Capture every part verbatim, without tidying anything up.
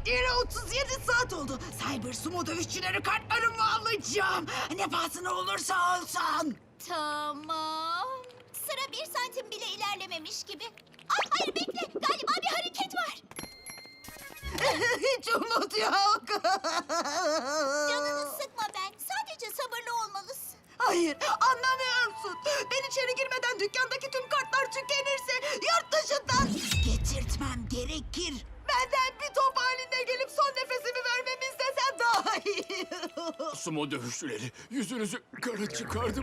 bekleyeli otuz yedi saat oldu. Cyber sumo dövüşçüleri kartlarımı alacağım. Ne pahasına olursa olsun. Tamam. Sıra bir santim bile ilerlememiş gibi. Ay hayır bekle. Galiba bir hareket var. Hiç umut yok. Canını sıkma ben. Sadece sabırlı olmalısın. Hayır, anlamıyorsun. Ben içeri girmeden dükkandaki tüm kartlar tükenirse yurt dışından getirtmem gerekir. Benden bir top halinde gelip son nefesimi vermemi istesen daha iyi. Sumo dövüşçüleri, yüzünüzü kara çıkardım.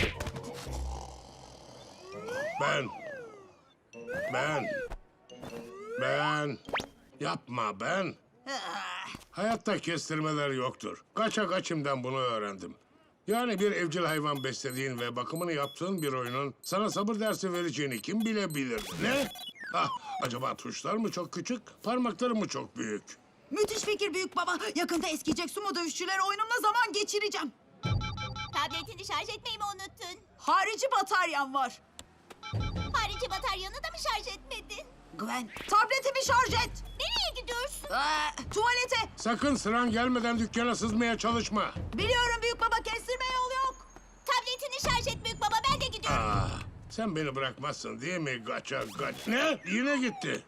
Ben. Ben. Ben. Yapma ben. Hayatta kestirmeler yoktur. Kaça kaçımdan bunu öğrendim. Yani bir evcil hayvan beslediğin ve bakımını yaptığın bir oyunun sana sabır dersi vereceğini kim bilebilir? Ne? Ah, acaba tuşlar mı çok küçük, parmakları mı çok büyük? Müthiş fikir büyük baba. Yakında eskiyecek sumo dövüşçüleri oyunumla zaman geçireceğim. Tabletini şarj etmeyi mi unuttun? Harici bataryam var. Harici bataryanı da mı şarj etmedin? Gwen, tabletimi şarj et. Nereye gidiyorsun? Ee, tuvalete. Sakın sıran gelmeden dükkana sızmaya çalışma. Biliyorum büyük baba, kestirme yol yok. Tabletini şarj et büyük baba. Ben de gidiyorum. Ah, sen beni bırakmazsın değil mi gaça gaç? Ne? Yine gitti.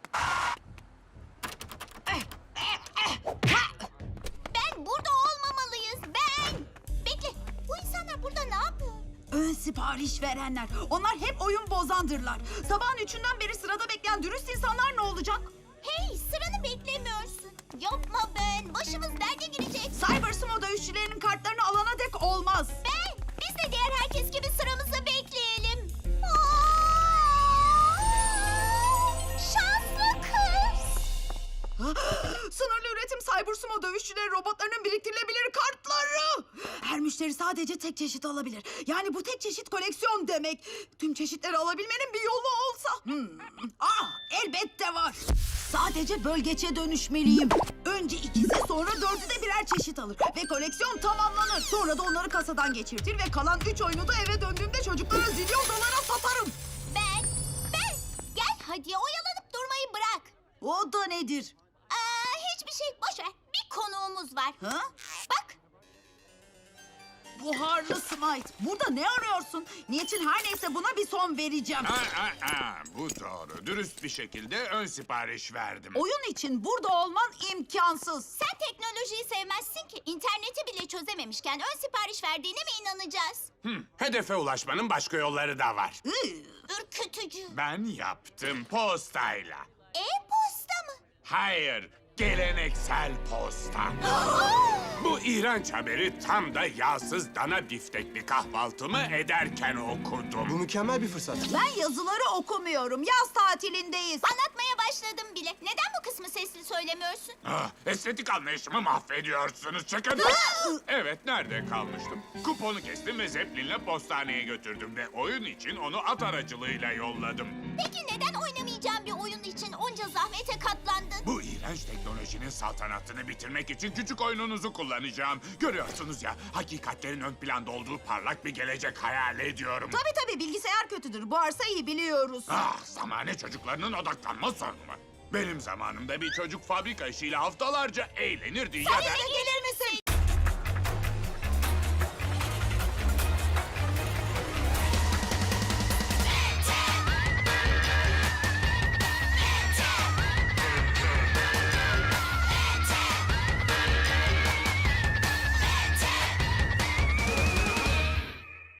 Ben burada olmamalıyız. Ben. Bekle. Bu insanlar burada ne yapıyor? Ön sipariş verenler. Onlar hep oyun bozandırlar. Sabahın üçünden beri sırada bekleyen dürüst insanlar ne olacak? Hey, sıranı beklemiyorsun. Yapma ben. Başımız derde girecek. Cyber sumo dövüşçülerinin kartlarını alana dek olmaz. Ben. Biz de diğer herkes gibi sıramızı bekleyelim. Aa! Şanslı kız. Sınırlı üretim cyber sumo dövüşçüleri robotlarının biriktirilebilir kartları. Her müşteri sadece tek çeşit alabilir. Yani bu tek çeşit koleksiyon demek. Tüm çeşitleri alabilmenin bir yolu olsa. Hmm. Ah, elbette var. Sadece bölgeçe dönüşmeliyim. Önce ikisi, sonra dördü de birer çeşit alır. Ve koleksiyon tamamlanır. Sonra da onları kasadan geçirtir ve kalan üç oyunu da eve döndüğümde çocuklara zilyon dolara satarım. Ben. Ben. Gel hadi oyalanıp durmayı bırak. O da nedir? Aa, hiçbir şey. Boş ver. Bir konuğumuz var. Ha? Bak. Buharlı Smite. Burada ne arıyorsun? Niçin her neyse buna bir son vereceğim. Aa, aa, aa, bu doğru. Dürüst bir şekilde ön sipariş verdim. Oyun için burada olman imkansız. Sen teknolojiyi sevmezsin ki. İnterneti bile çözememişken ön sipariş verdiğine mi inanacağız? Hı, hedefe ulaşmanın başka yolları da var. Iı. Ürkütücü. Ben yaptım postayla. E-posta mı? Hayır, geleneksel posta. Bu iğrenç haberi tam da yağsız dana biftekli kahvaltımı ederken okudum. Bu mükemmel bir fırsat. Ben yazıları okumuyorum. Yaz tatilindeyiz. Anlatmaya başladım bile. Neden bu kısmı sesli söylemiyorsun? Ah, estetik anlayışımı mahvediyorsunuz. Çıkın. Evet, nerede kalmıştım? Kuponu kestim ve Zeppelin'le postaneye götürdüm ve oyun için onu at aracılığıyla yolladım. Peki neden oynamayacağım bir oyun için onca zahmete katlandın? Bu iğrenç teknolojinin saltanatını bitirmek için küçük oyununuzu kullanacağım. Görüyorsunuz ya, hakikatlerin ön planda olduğu parlak bir gelecek hayal ediyorum. Tabii tabii, bilgisayar kötüdür. Bu arsa iyi biliyoruz. Ah, zamane çocuklarının odaklanma sorunu. Benim zamanımda bir çocuk fabrika işiyle haftalarca eğlenirdi ya da... Seninle gelir